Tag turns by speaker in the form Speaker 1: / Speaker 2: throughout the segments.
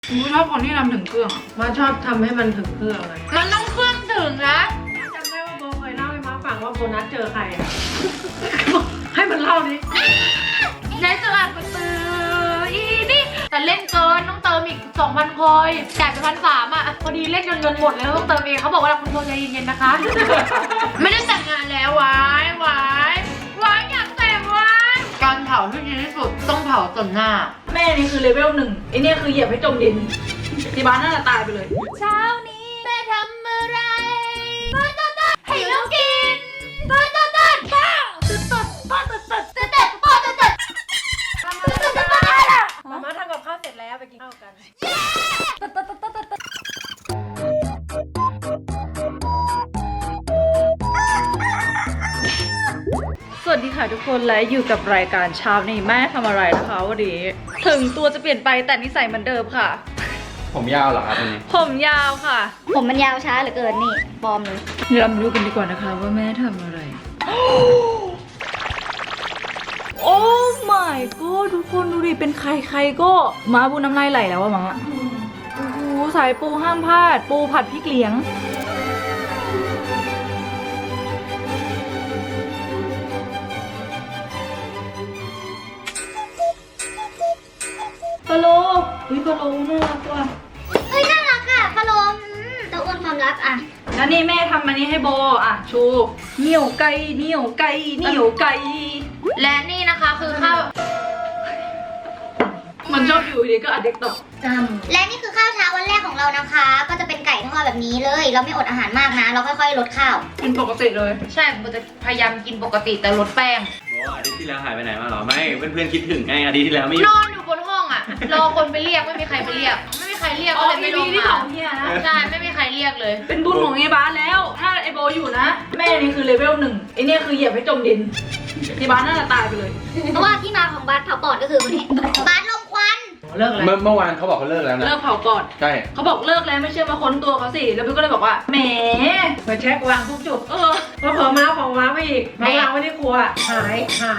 Speaker 1: ชอบคนที่ทำถึงเครื่องมาชอบทำให้มันถึงเครื่องเลย
Speaker 2: มันต้องเครื่องถึงนะ
Speaker 1: จำได้ว่าโบเคยเล่าให้ม้าฟังว่าโบนัสเจอใครอะให้มันเล่าดิ
Speaker 2: ในตลาดกระตืออีนี่แต่เล่นเกินต้องเติมอีก 2,000 คอยจ่ายไป1,300อ่ะพอดีเล่นจนเงินหมดเลยต้องเติมเองเขาบอกว่าคุณโบใจเย็นๆนะคะ ไม่ได้แต่งงานแล้ววายอยากแต่งวายการเผาที่ดีที่สุดต้องเผาต่อหน้า
Speaker 1: แม่นี่คือเลเวล1ไอเนี่ยคือเหยียบให้จมดินที่บ้านน่าจะตายไปเลย
Speaker 2: เช้านี้แม่ทำอะไรต้นให้ลูกกินต้นป้าต้น
Speaker 1: มาทำกับข้าวเสร็จแล้วไปกินข้าวกัน สวัสดีค่ะทุกคนและอยู่กับรายการเช้านี้แม่ทำอะไรนะคะวันนี้ถึงตัวจะเปลี่ยนไปแต่นิสัยเหมือนเดิมค่ะ
Speaker 3: ผมยาวเหรอครับวันนี้
Speaker 1: ผมยาวค่ะ
Speaker 4: ผมมันยาวช้าเหลือเกินนี่ปลอมเลย
Speaker 1: เดี๋ยวเรามาดูกันดีกว่านะคะว่าแม่ทำอะไร โอ้ my god ทุกคนดูดิเป็นใครก็มาบูน้ำลายไหลแล้วอะมาโอ้โหสายปูห้ามพลาดปูผัดพริกเหลียงพะโล้อุ้ยพะโล้น่ารักว่ะ
Speaker 4: เฮ้ยน่ารักอ่ะพะโลมตะอ้วนความรักอ่ะ
Speaker 1: แล้วนี่แม่ทำอันนี้ให้โบอ่ะชูเหนียวไก่เหนียวไก่เหนียวไก่
Speaker 2: และนี่นะคะคือข้าว
Speaker 1: มันชอบอยู่ดีก็อัดเด็กตก
Speaker 4: และนี่คือข้าวเช้าวันแรกของเรานะคะ ก็จะเป็นไก่ทอดแบบนี้เลย เราไม่อดอาหารมากนะ เราค่อยๆลดข้าว
Speaker 1: กินปกติเลย
Speaker 2: ใช่ผมจะพยายามกินปกติแต่ลดแป้ง
Speaker 3: บอกว่าอาทิตย์ที่แล้วหายไปไหนมาเหรอ ไม่ เพื่อนๆคิดถึงไงอาทิตย์ที่แล้วไม่อยู่
Speaker 2: นอนอยู่บนห้องอ่ะ รอคนไปเรียกไม่มีใครไปเรียก ไม่มีใครเรียกก็เลยไม่ลง
Speaker 1: ที่
Speaker 2: มา
Speaker 1: ของเฮียนะ
Speaker 2: ใช่ไม่มีใครเรียกเลย
Speaker 1: เป็นบุญของไอ้บ้านแล้ว ถ้าไอ้โบอยู่นะ แม่นี่คือเลเวล1ไอ้เนี่ยคือเหยียบให้จมดินที่บ้านน่าจะตายไปเลย
Speaker 4: เพราะว่าที่มาของบาสเผาปอดก็คือวันนี้บาสลมควัน
Speaker 1: เลิกแล้ว
Speaker 3: เมื่อวานเขาบอกเขาเลิกแล้วนะ
Speaker 1: เลิกเผาก่อน
Speaker 3: ใช่
Speaker 1: เขาบอกเลิกแล้วไม่เชื่อมาค้นตัวเขาสิแล้วพี่ก็เลยบอกว่าแหมมาเช็ควางทุกจุดแล้วเผลอมาของว้าไปอีกมาวางไว้ที่ครัวหาย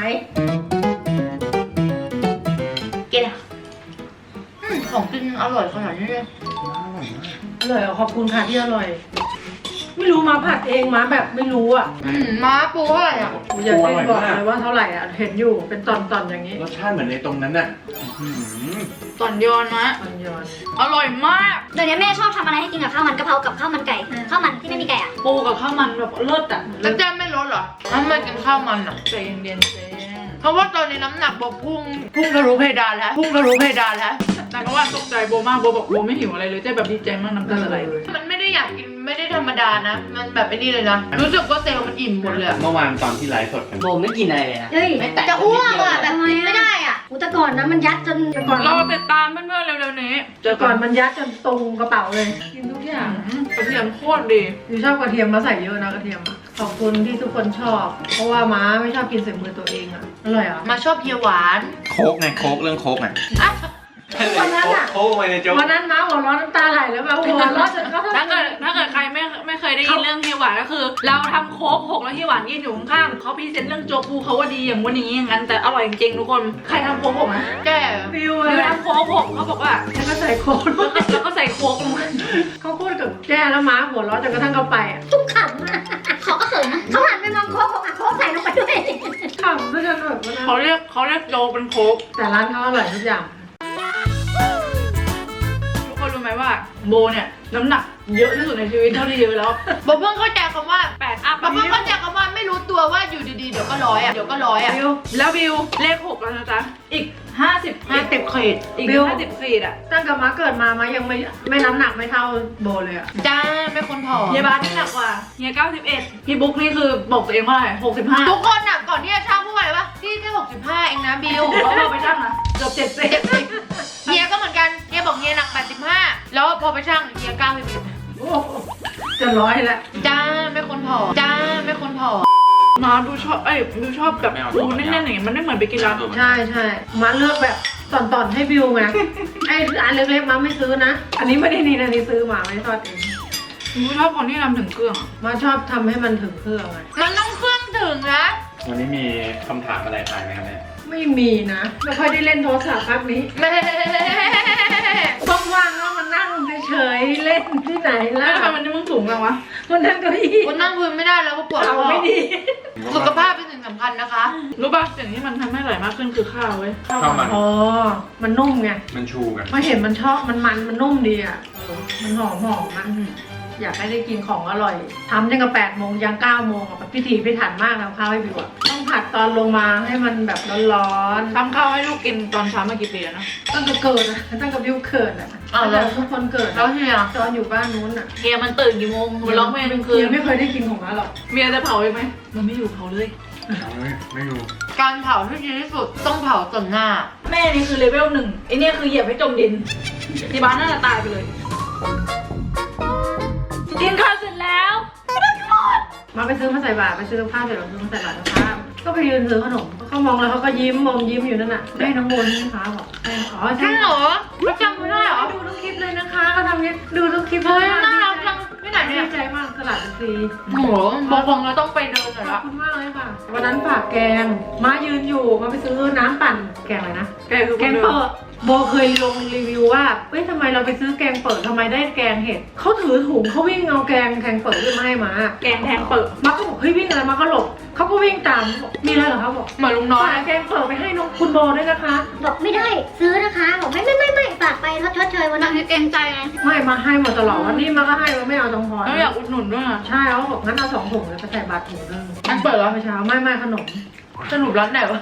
Speaker 2: กินอ่ะของกินอร่อยขนาดนี้เลย
Speaker 1: อร่อยขอบคุณค่ะที่อร่อย ไม่รู้มาผัดเองมาแบบไม่รู้อ่ะ
Speaker 2: ม้าปูเท่าไหร่อ่ะ
Speaker 1: อยากให้บอกเลยว่าเท่าไหร่อ่ะเห็นอยู่เป็นตอนๆอย่างนี้
Speaker 3: รสชาติเหมือนในตรงนั้นน่ะ
Speaker 2: ตอนยอนนะ
Speaker 1: ตอนย้อน
Speaker 2: อร่อยมาก
Speaker 4: เดี๋ยวนี้แม่ชอบทำอะไรให้กินกับข้าวมันกะเพรากับข้าวมันไก่ ข้าวมันที่ไม่มีไก่อ่ะ
Speaker 1: ปูกับข้าวมันแบบเลิศอ่ะ
Speaker 2: แล้วแจ้ไม่ลดเหรอทำไมกินข้าวมันอ่ะ
Speaker 1: ใจเย็นๆเจ๊
Speaker 2: เพราะว่าตอนนี้น้ำหนักบอกพุ่งทะลุเพดานแล้ว
Speaker 1: แต่ก็ว่าตกใจโบมากโบบอกโบไม่หิวอะไรเลยเจ๊แบบดีใจมากน้ำตาไหลเลย
Speaker 2: มันไม่ได้อยากกินไม่ได้ธรรมดานะ มันแบบไอ้นี่เลยนะ รู้สึกว่าเซลล์มันอิ่มหมดเลยอะ
Speaker 3: เมื่อวานตอนที่ไลฟ์สดกัน
Speaker 5: โบไม่กินอะไรเลยนะ
Speaker 4: เฮ้ย
Speaker 5: ไม่แตะ
Speaker 4: จะอ้วกอ่ะแบบกินไม่ได้อ่ะอุยแต่ก่อนนะมันยัดจน
Speaker 1: ก่อนเราติดตามเพื่อนๆเร็วๆนี้เจอก่อนมันยัดจนตรงกระเป๋าเลยกินทุกอย่างกระเทียมโคตรดีคือชอบกระเทียมมาใส่เยอะนะกระเทียมขอบคุณที่ทุกคนชอบ เพราะว่าม้าไม่ชอบกินใส่มือตัวเองอ่ะอร่อยอ่ะ
Speaker 2: มาชอบเฮียหวาน
Speaker 3: โค้กไง โค้กเรื่องโค้กไง
Speaker 1: วันนั้นอะ
Speaker 3: โค้กไปในโจ๊ก
Speaker 1: วันนั้นม้าหัวเร้อนน้ำตาไหลแล้วแบบหัวเร้อนจนก็ถ้าเกิดใครไม่เคยได้ยินเรื่องเฮียหวานก็คือ เราทำโค้กหกแล้วเฮียหวานยืนอยู่ข้างๆเขาพรีเซนต์เรื่องโจ๊กปูเขาว่าดีอย่างวันอย่างนี้อย่างนั้นแต่อร่อยจริงๆทุกคนใครทำโค้กหกนะ
Speaker 2: แก่
Speaker 1: ฟิวเลยทำโค้กหกเขาบอกว่าแล้วก็ใส่โค้กแล้วก็ใส่โค้กลงมาเขาพูดกับแก้แล้วม้าหัวเร้อนจนกระทั่งเขาไปอ่ะ
Speaker 4: ทุกขำอ่ะเขาก็เขินนะเขาหันไปมองโค้กบอกอ่ะโค้กใส่ลงไปด้วย
Speaker 1: ขำซะจนแบบว่า
Speaker 2: เขาเรียกโจเป็นโค้ก
Speaker 1: แต่ร้านเขาอร่อยทุกอย่างทุกคนรู้ไหมว่าโบเนี่ยน้ำหนักเยอะที่สุดในชีวิตเท่าที่เยอะแล้ว
Speaker 2: บอกเพิ่งเข้าใจคำว่า
Speaker 1: 8 อัพ
Speaker 2: บอกเพิ่งเข้าใจคำว่าไม่รู้ตัวว่าอยู่ดีๆเดี๋ยวก็ร้อยอ่ะ
Speaker 1: บิวแล้วบิวเลข6แล้วนะจ๊ะอีก50
Speaker 2: ขีด
Speaker 1: อีก50ขีดอ่ะตั้งแต่มาเกิดมายังไม่น้ำหนักไม่เท่าโบเลยอ่ะ
Speaker 2: จ้าไม่คนผอม
Speaker 1: เฮียบาสนี่หนักกว่าเฮีย91พี่บุ๊กนี่คือบอกตัวเองว่าอะไร65
Speaker 2: ทุกคนอ่ะก่อนที่จะช่างพูดอะไรวะพี่แค่65เองนะบิว
Speaker 1: แล้วเราไปช่างนะเกือบ70
Speaker 2: เฮียก็เหมือนกันเฮียบอกเฮียหนัก85แล้วพอไปช่างเฮีย91
Speaker 1: โอ้โหจะร้อยแล้ว
Speaker 2: จ้าไม่คนผอม
Speaker 1: มาดูชอบดูชอบแบบดูแน่นๆอย่างเงี้ยมันไม่เหมือนไปกินร้านใช่มาเลือกแบบตอนให้บิวไงไอ้ร้านเล็กๆมาไม่ซื้อนะ อันนี้ไม่ได้นี่นะนี่ซื้อมาไม่ทอดเองชอบคนที่ทำถึงเครื่องมาชอบทำให้มันถึงเครื่องไง
Speaker 2: มันต้องเครื่องถึงนะ
Speaker 3: วันนี้มีคำถามอะไรทายไหมครับแม่
Speaker 1: ไม่มีนะไม่ค่อยได้เล่นโทรศัพท์พักนี้
Speaker 2: แม่
Speaker 1: สว่างๆก็มานั่งเฉยๆเล่นที่ไหนล่ะ
Speaker 2: แล้วทำไมมันมึงสูงจังวะ
Speaker 1: มันนั่งเก้าอี้
Speaker 2: คนนั่งพื้นไม่ได้แล้วก็ปวด
Speaker 1: เอา
Speaker 2: คอ
Speaker 1: ไม่ดี
Speaker 2: สุขภาพเป็นสิ่งสำคัญนะคะ
Speaker 5: รู้ป่ะสิ่งที่มันทำให้อร่อยมากขึ้นคือข้าวเว้ย
Speaker 3: ข้าวมัน
Speaker 1: อ๋อมันนุ่มไง
Speaker 3: มันชูกัน
Speaker 1: มาเห็นมันชอบมันนุ่มดีอ่ะมันหอมมันอยากให้ได้กินของอร่อยทำยังกับ8 โมงยัง9 โมงอ่ะพิถีพิถันมากแล้วข้าวให้บิวอ่ะต้องผัดตอนลงมาให้มันแบบร้อน
Speaker 5: ทำข้าวให้ลูกกินตอนเช้ามากี่ปีแล้วนะ
Speaker 1: ๆตั้งแต่เกิดอ่ะตั้งแต่บิวเกิดอ่ะแล้วทุกคนเกิด
Speaker 2: แล้วเฮีย
Speaker 1: ตอนอยู่บ้านนู้นอ่ะ
Speaker 5: เฮียมันตื่นกี่โมงมันร้องเพลงกลางคืน
Speaker 1: ยังไม่เคยได้กินของมันหรอก
Speaker 5: เมียจะเผาอีกไหมมันไม่อยู่เผาเลย
Speaker 3: ไม่รู้
Speaker 2: การเผาที่ดีที่สุดต้องเผาต่อหน้า
Speaker 5: แม่นี่คือเลเวล 1ไอเนี่ยคือเหยียบให้จมดินที่บ้านน่าจะตายไปเลยกินข้าวเสร็จแล้ว
Speaker 1: มาไปซื้อมาใส่บาตรไปซื้อข้าวเสร็จแล้วซื้อมาใส่บาตรนะคะก็ไปยืนซื้อขนมเขามองแล้วเขาก็ยิ้มอยู่นั่นน่ะได้น้องโบนนี่คะบอกอ๋อ
Speaker 2: จริ
Speaker 1: ใช่
Speaker 2: งเหรอไม่จำไม่ได้เหรอ
Speaker 1: ดูทุกคลิปเลยนะคะเขาทำเงี้ยดูทุกคลิป
Speaker 2: เฮ้ยน่ารักจังที่ไหน
Speaker 1: ดี
Speaker 2: เนี่ย
Speaker 1: ใจมากตลาดซี
Speaker 2: โหบอกคงเราต้องไปเดินหน่อย
Speaker 1: ขอ
Speaker 2: ละ
Speaker 1: บคุณมากเลยค่ะวันนั้นฝากแกงมายืนอยู่มาไปซื้อน้ำปั่นแกงอะไรนะ
Speaker 5: แกคือ
Speaker 1: แกงเปิดโบเคยลงรีวิวว่าเฮ้ยทำไมเราไปซื้อแกงเปิดทำไมได้แกงเห็ดเขาถือถุงเขาวิ่งเอาแกงเปิดขึ้นมาให้มา
Speaker 5: แกงแทงเปิด
Speaker 1: มาก็บอกเฮ้ยวิ่งอะไรมาก็หลบเขาก็วิ่งตามบอกมีอะไรเหรอคะบอก
Speaker 2: เหมือนลุงน้อย
Speaker 1: ฝากแกงเปิดไปให้น้องคุณโบด้วยนะคะ
Speaker 4: บอกไม่ได้ซื้อนะคะบอกไม่ฝากไปชดเชยวัน
Speaker 2: นา
Speaker 4: นั้น
Speaker 2: งที่เกรงใจไง
Speaker 1: ไม่มาให้หมดตลอดวันนี้มาก็ให้มาไม่เอาตรงพอ
Speaker 5: แล้วอยากอุดหนุนด้วยอ่ะ
Speaker 1: ใช่เขาบอกงั้นเอา2 ถุงเลยไปใส่บาตรถุงนึง
Speaker 2: อันเปิดเหรอ
Speaker 1: เมื่อเช้าไม่ขนม
Speaker 2: สรุปร้านไหนวะ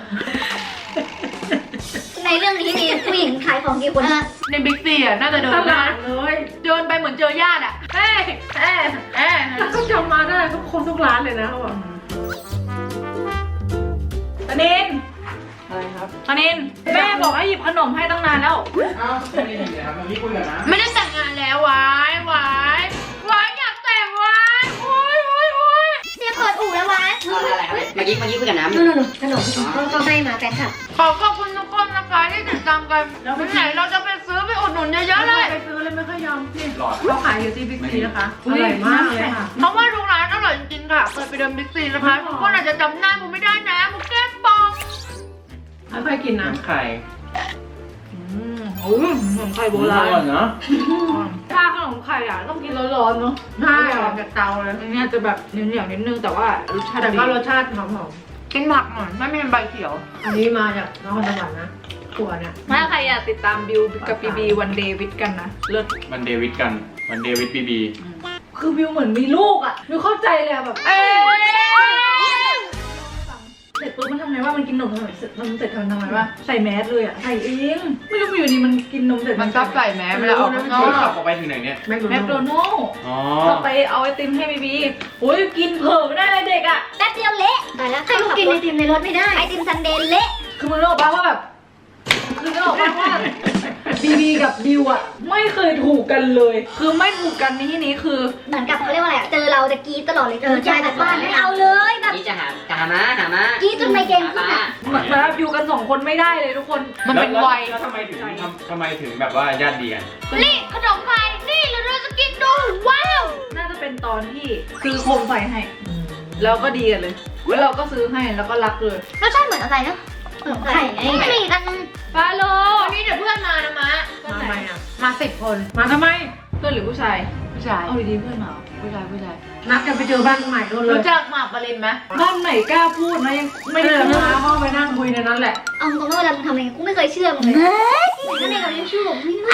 Speaker 4: ในเรื่องนี้มีผู้หญิงขายของกี่คน
Speaker 2: ในบิ๊กซีอ่ะน่าจะเดิน
Speaker 1: ต
Speaker 2: ได้
Speaker 1: ลาดเลย
Speaker 2: เดินไปเหมือนเจอญาติอ่ะเอ้ยเอ้ย
Speaker 1: แล้วก็จำมาได้ทุกร้านเลยนะเขาบอก
Speaker 5: ตานิน
Speaker 3: อะไรครับ
Speaker 5: ตานินแม่บอกให้หยิบขนมให้ตั้งนานแล้ว
Speaker 3: อ้าวไม่ได้เลยครับมันนี่คุยกันนะ
Speaker 2: ไม่ได้แต่งงานแล้ววายวาอยากแต่งวายโอ้ย
Speaker 4: เสียเปิดอู่แล้ววะ
Speaker 6: อะไรครับเมื่อกี้คุยกับน้ำ
Speaker 4: นู่นขนมเขาให้มาแฟนคลับ
Speaker 2: ขอบคุณทุกคนนะคะที่ติดตามกันวันไหนเราจะไปซื้อไปอุดหนุนเยอะๆเลย
Speaker 1: ไปซื้อเลยไม่ค่อยยอมพี่
Speaker 3: หลอด
Speaker 1: เขาขายอยู่ที่บิ๊กซีนะคะอร่อยมากเลยค่ะ
Speaker 2: เพราะว่าทุกร้านอร่อยจริงๆค่ะเคยไปเดินบิ๊กซีนะคะทุกคนอาจจะจำหน้าผมไม่ได้นะผมแก้มปอง
Speaker 1: ไม่ค่อยกินนะ
Speaker 3: น้ำไข่
Speaker 5: โอ้ยขนมไข่โบราณ
Speaker 3: เนาะ
Speaker 5: ถ้าขนมไข่อ่ะต้องกินร้อนๆเนาะ
Speaker 1: ใช่ออกจากเตาเลย
Speaker 5: อันนี้จะแบบเหนียวๆนิดนึงแต่ว่ารสชาติ
Speaker 1: แต่
Speaker 5: ดี
Speaker 1: ก็รสชาติหอม
Speaker 2: กินผักหน่อยไม่เป็นใบเขียว
Speaker 1: ๆอันนี้มาจากนครสวรรค์นะถั่วเนี่ย
Speaker 5: ถ้าใครอยากติดตามบิวกับปีบีวันเดย์วิดกันนะเลิศ
Speaker 3: มันเดวิดกันมันเดวิดบีบี
Speaker 5: คือบิวเหมือนมีลูกอ่ะบิวเข้าใจเลยอะแบบเสร็จปุ๊บมันทำไงว่ามันกินนมทำไมเสร็จทำไมว่าใส่แมสเลยอ่ะใส่เองไม่รู้อยู่ดีมันกินนมเสร็จ
Speaker 2: มันชอบใส่แมสเวลาออกข้างนอก
Speaker 3: ขับออกไปถึงไหนเนี่ย
Speaker 1: แมค
Speaker 5: แมค
Speaker 1: โด
Speaker 5: โด
Speaker 1: นัลด์
Speaker 5: นัลด์
Speaker 3: อ๋อ
Speaker 5: ก็ไปเอาไอติมให้บีบีโอ้ยกินเผลอไม่ได้เลยเด็กอ่ะ
Speaker 4: แป๊บเดียวเละแต่แล้วให้ลูกกินไอติมในรถไม่ได้ไอติมซันเดย์เละ
Speaker 5: คือมึงรู้ป่ะว่าแบบคือนึกออกป่ะว่าบีบีกับบิวอ่ะไม่เคยถูกกันเลย คือไม่ถูกกันในที่นี้คือ
Speaker 4: เหมือนกับเขาเรียกว่าอะไรเจอเราจะกรีดตลอดเลยจากจากบ้านไม่เอาเลยแบบ
Speaker 6: นี่จะหามา
Speaker 4: กรีดจนไมเกรนขึ้นอ่ะ
Speaker 5: เหมือนแบบอยู่กัน2 คนไม่ได้เลยทุกคน
Speaker 2: มันเป็นวัย
Speaker 3: แล้วทำไมถึงแบบว่าญาติดีกัน
Speaker 2: นี่ขนมไข่นี่เราจะกินดูว้าว
Speaker 5: น่าจะเป็นตอนที่ซื้อโคมไฟให้ แล้วก็ดีกันเลยแล้วเราก็ซื้อให้แล้วก็รักเลย
Speaker 4: รสชาติเหมือนอะไรนะขนมไข่ไงไม่มีกัน
Speaker 5: ฟาโล
Speaker 2: วันนี้เดี๋ยวเพื่อนมานะมะ
Speaker 1: มาทำไมอ่ะ
Speaker 2: มา10 คน
Speaker 1: มาทำไม
Speaker 5: เพื่อนหรือผู้ชาย
Speaker 2: ผู้ชาย
Speaker 5: เอาดีๆเพื่อนเหรอ
Speaker 2: ผู้ชาย
Speaker 1: นัดกันไปเจอบ้านใหม่กันเลย
Speaker 2: รู้จักหมากปรินไหม
Speaker 5: บ้านไหนกล้าพูดนะยังไม่
Speaker 1: ไม่
Speaker 5: ได้
Speaker 1: เดิน
Speaker 5: เจอ
Speaker 1: มาห้องไปนั่งคุยในนั้นแหละ
Speaker 4: เอาตรงๆว่าเวลามึงทำอะไรกูไม่เคยเชื่อมึงเลยนั่นเองเรายังเชื่อผมไม่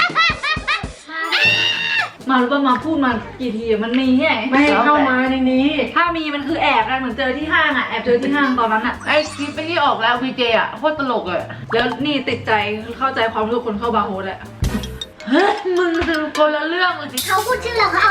Speaker 5: มารู้ป่ะมาพูดมากี่ทีอะมันมีที่ไหน
Speaker 1: ไม่ให้เข้ามาในนี้
Speaker 5: ถ้ามีมันคือแอบกันเหมือนเจอที่ห้างอะแอบเจอที่ห้างตอนนั้นอะ
Speaker 2: ไอคลิปที่ออกแล้ววีเจอ่ะโคตรตลกเลย
Speaker 5: แล้วนี่ติดใจคือเข้าใจความรู้สึกคนเข้าบาร์โฮสแหละ
Speaker 2: เฮ้ยมึงคือคนละเรื่องเลยสิ
Speaker 4: เขาพูดชื่อเราเขาเอา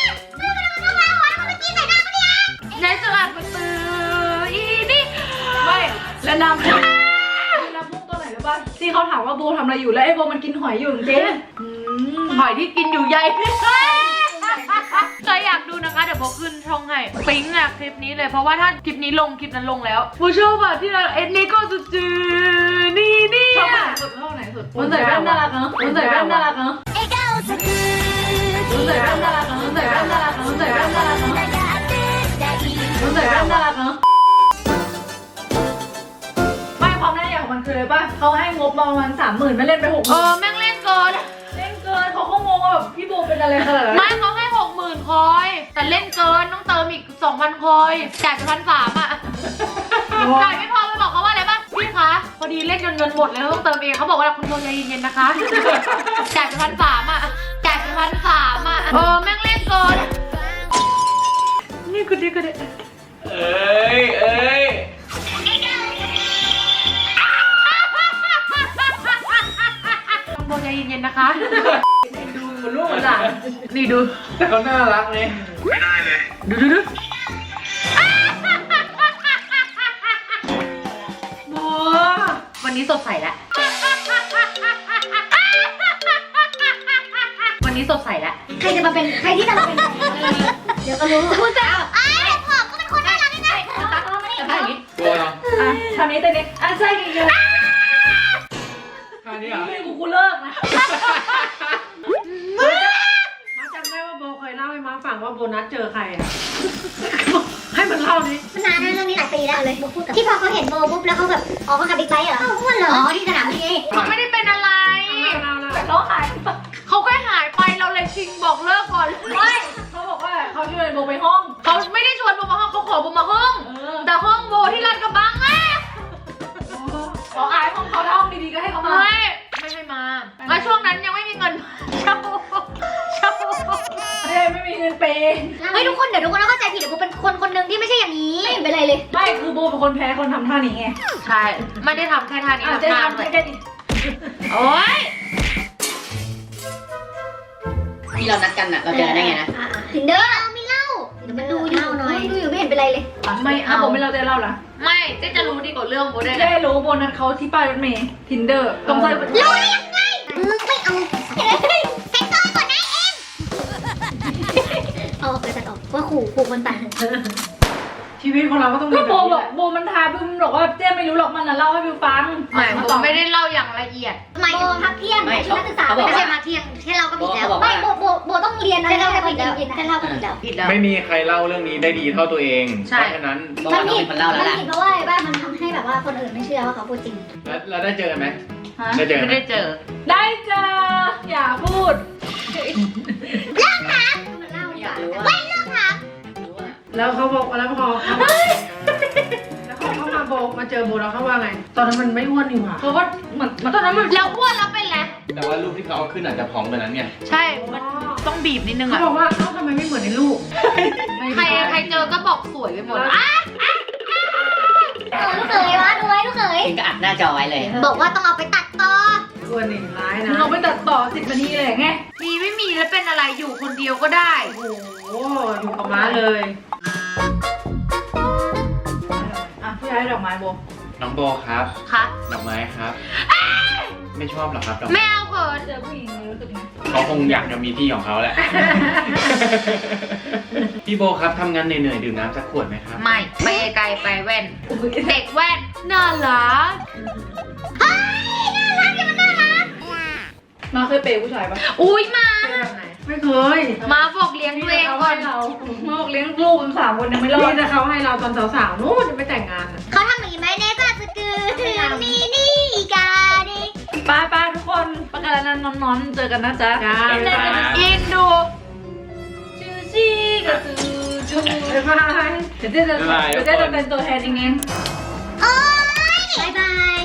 Speaker 2: ในสลัดประตืออีนี่
Speaker 5: ไม่และน้ำพุ่งตัวไหนรู้ป่ะที่เขาถามว่าโบทำอะไรอยู่แล้วไอ้โบมันกินหอยอยู่จริง
Speaker 2: หอยที่กินอยู่ใหญ่ใครอยากดูนะคะเดี๋ยวโบขึ้นช่องให้ปิ๊งอะคลิปนี้เลยเพราะว่าถ้าคลิปนี้ลงคลิปนั้นลงแล้วโบชอบอะที่เราเอ็นนี่ก็จะจือนี่
Speaker 5: ชอบไหนสุดชอบไหนสุดมันใส่แว่นน่ารักเนาะมันใส่แว่นน่ารักเนาะมันใส่แว่นน่ารักเนาะมันใส่แว่นน่ารักเนาะมันใส่แว่นน่ารักเนาะมันใส่แว่นน่ารักเนาะไม่ความน่าอย่างของมันคืออะไรป่ะเขาให้งบประมาณ30,000ไม่เล่นไป60,000
Speaker 2: แม่งเล่นเกิน
Speaker 5: เล่นเกินอะไรขนาดนั้น
Speaker 2: ไม่เขาให้ 60,000 คอย แต่เล่นเกินต้องเติมอีก 2,000 คอยจ่ายไป1,300 อ่ะจ่ายไม่พอไปบอกเขาว่าอะไรบ้างพี่คะพอดีเล่นจนเงินหมดเลยต้องเติมเองเขาบอกว่าคุณโทรใจเย็นๆนะคะจ่ายไป1,300 อ่ะจ่ายไป1,300 อ่ะแม่งเล่นเกินนี่กูดิ
Speaker 3: เอ้ย
Speaker 2: ต้องโทรใจเย็นๆนะคะ
Speaker 3: ดูเหมือนลูกเหมือนหลาน
Speaker 2: นี่ดู
Speaker 3: แต่เขาน่ารักเลย
Speaker 2: ดูบัววันนี้สดใสแล้ววันนี้สดใสแล้ว
Speaker 4: ใครที่จะมาเป็นเดี๋ยวก็รู้คุณจะผมก็เป็นคนน่ารักนี่นะ
Speaker 3: กลัวเหรอ
Speaker 5: ทำนี้แต่เนี้ยใช่กันเยอะ
Speaker 3: ท่านี้เหรอ
Speaker 5: ไม่กูเลิกนะ
Speaker 1: มาจำได้ว่าโบเคยเล่าให้มาฟังว่าโบนัสเจอใครอ่ะ ให้มันเล่าดิ
Speaker 4: มันนานนะเรื่องนี้หลายปีแล้วเลยพูดกับที่พอเขาเห็นโบปุ๊บแล้วเขาแบบอ๋อเขาขับบิ๊กไบค์เหรออ้วนเหรออ๋อที่สนามบิน
Speaker 2: เขาไม่ได้เป็นอะไร
Speaker 1: เล่า
Speaker 5: เขาหาย
Speaker 2: เขาแค่หายไปเราเลยชิงบอกเลิกก่อน
Speaker 5: ไม่เขาบอกว่าเขาชวนโบไปห้อง
Speaker 2: เขาไม่ได้ชวนโบมาห้องเขาขอโบมาห้อง แต่ห้องโบที่ลาดกระบังอะ
Speaker 5: ขออายห้องเขาถ้าห้องดีๆก็ให้เขามา
Speaker 2: ไม่ให้มาแล้วช่วงนั้นยังไม่มีเงินเช่า
Speaker 5: ไม่มีเงินเปย์
Speaker 4: เฮ้ยทุกคนเดี๋ยวทุกคนเข้าใจผิดเดี๋ยวโบเป็นคนหนึ่งที่ไม่ใช่อย่างนี้ไม่เห็นเป็นไรเลย
Speaker 5: ไม่คือโบเป็นคนแพ้คนทำท่านี้ไง
Speaker 2: ใช่ไม่ได้ทำแค่ท่านี้
Speaker 5: จะ
Speaker 2: ทำท่า
Speaker 5: ทำ
Speaker 2: เลย
Speaker 5: แค่นี้
Speaker 2: โอ๊ย
Speaker 6: ที่เรานัดกันอ่ะ เราเจอได้ไงนะ
Speaker 4: ถึงเด้อไม่เล่าเดี๋ยวมันดูอยู่ดูอยู่ไม่เห็นเป็นไรเลย
Speaker 2: ไม่เอา
Speaker 5: โบไม่เราจะเล่าละ
Speaker 2: ไม่เจ๊จะรู้ดีกว่าเรื่องโบได้
Speaker 5: ได้รู้โบนัสเขาที่ป้ายรถเมย์ทินเดอร์ตรงซอย
Speaker 4: รู้ได้ยังไงไม่เอาเซ็นเซอร์ก่อนนะเอ็มเอาออกไปตัดออกว่าขู่คนตัด
Speaker 1: ชีวิตของเราก็ต้องมี
Speaker 5: ก็
Speaker 1: แบบ
Speaker 5: โบ
Speaker 1: นี้
Speaker 5: บ
Speaker 1: แห
Speaker 5: อก
Speaker 1: ละ
Speaker 5: โบมันทาบิวบอกว่าเจ๊ไม่รู้หรอกมันเล่าให้บิวฟัง
Speaker 2: ไม่โบไม่ได้เล่าอย่างละเอียด
Speaker 4: หมายถึงพักเที่ยง
Speaker 6: ไม่
Speaker 4: ชุดนักศึกษา
Speaker 6: เขาบอก
Speaker 4: ไม่
Speaker 6: ว่า
Speaker 4: ใช่พักเที่ยงแค่เราก็ผิดแล้ว
Speaker 6: เขาบอก
Speaker 4: ไม่
Speaker 6: ว่า
Speaker 4: โบต้องเรียนนะแค่เราก็ผิดแล้วแค่เราก็ผิดแล้ว
Speaker 2: ผิดแล้ว
Speaker 3: ไม่มีใครเล่าเรื่องนี้ได้ดีเท่าตัวเอง
Speaker 2: ใช่
Speaker 3: เพราะฉะนั้น
Speaker 6: โบว่าน้องเป็นคนเล่าแล้วล่ะ
Speaker 4: ผิดเพราะว่าบ้านมันทำให้แบบว่าคนอื่นไม่เชื่อว่าเขาพูดจริง
Speaker 3: แล้วได้เจอกันไหม
Speaker 5: ฮะ
Speaker 3: ได้เจอกัน
Speaker 2: ไม่
Speaker 3: ไหม
Speaker 2: ได้เจอ
Speaker 5: ได้จ้าอย่าพูด
Speaker 4: มันเล่า
Speaker 6: อยากรู้ว่า
Speaker 4: ไม่เลิกถาม
Speaker 6: รู้ว่า
Speaker 1: แล้วเขาบอกแล้วพอเขาแล้วเขาเข้ามาโบมาเจอโบแล้วเขาว่าไง ตอนนั้นมันไม่อ้วนนี่หว่า
Speaker 5: เขาก็เหมือนตอนนั้นมัน
Speaker 2: แล้วอ้วนแล้วเป็นไร
Speaker 3: แต่ว่ารูปที่เขาเอาขึ้นอาจจะผอมกว่านั้นไง
Speaker 2: ใช่มันต้องบีบนิดนึง
Speaker 1: เขา
Speaker 2: อะ
Speaker 1: บอกว่าเอ้าทำไมไม่เหมือนในรูป
Speaker 2: ใครเจอก็บอกสวยไปหมดอะ
Speaker 4: ลูกเขยวะดูไว้ลูกเขย
Speaker 6: ถึงก็อัดหน้าจอไว้เลย
Speaker 4: บอกว่าต้องเอาไปตัดต่อ
Speaker 1: อ้วนนี่ร้ายนะ
Speaker 5: เราไปตัดต่อ10 นาทีเลยไง
Speaker 2: มีไม่มีแล้วเป็นอะไรอยู่คนเดียวก็ได้
Speaker 1: โอ้โหอยู่กับม้าเลย
Speaker 5: อ่ะพี่ย้ายดอกไม้โบ
Speaker 3: น้องโบครับ
Speaker 2: ค่ะ
Speaker 3: ดอกไม้ครับ ไม่ชอบหรอครับดอก
Speaker 2: ไม่เอาเขิน
Speaker 5: เจอผู้หญิงรู้สึกไง
Speaker 3: เขาคงอยากจะมีที่ของเขาแหละ พี่โบครับทำงานเหนื่อยๆดื่มน้ำสักขวดไหมครับ
Speaker 2: ไม่ไปไกลไปแว่น เด็กแว่นน่ารัก
Speaker 5: มาเคยเปย์ผู้ชายปะ
Speaker 2: อุ้ยมา
Speaker 1: เป็นแบบไหนไม่เคย
Speaker 2: มาบอกเลี้ยงตัวเองก่อน
Speaker 5: เรามาบอกเลี้ยงลูกกัน3 คนยังไม่รอ
Speaker 1: นี่
Speaker 5: ด
Speaker 1: แต่เขาให้เราตอนสาวๆนู้นจะไปแต่งงานอะ
Speaker 4: เขาทำอย่างนี้ไหมเนก็จะคือนี่นี่กาดิ
Speaker 5: ป้าทุกคนประกาศนั้นนอนเจอกันนะจ๊ะ
Speaker 1: จ้า
Speaker 3: บ๊ายบาย
Speaker 2: อินดู
Speaker 5: จูจี้กับจู
Speaker 1: บ๊ายบาย
Speaker 5: เดี๋ยวเจ๊จะเป็นตัวแทนเอง
Speaker 4: โอ๊ยบายบาย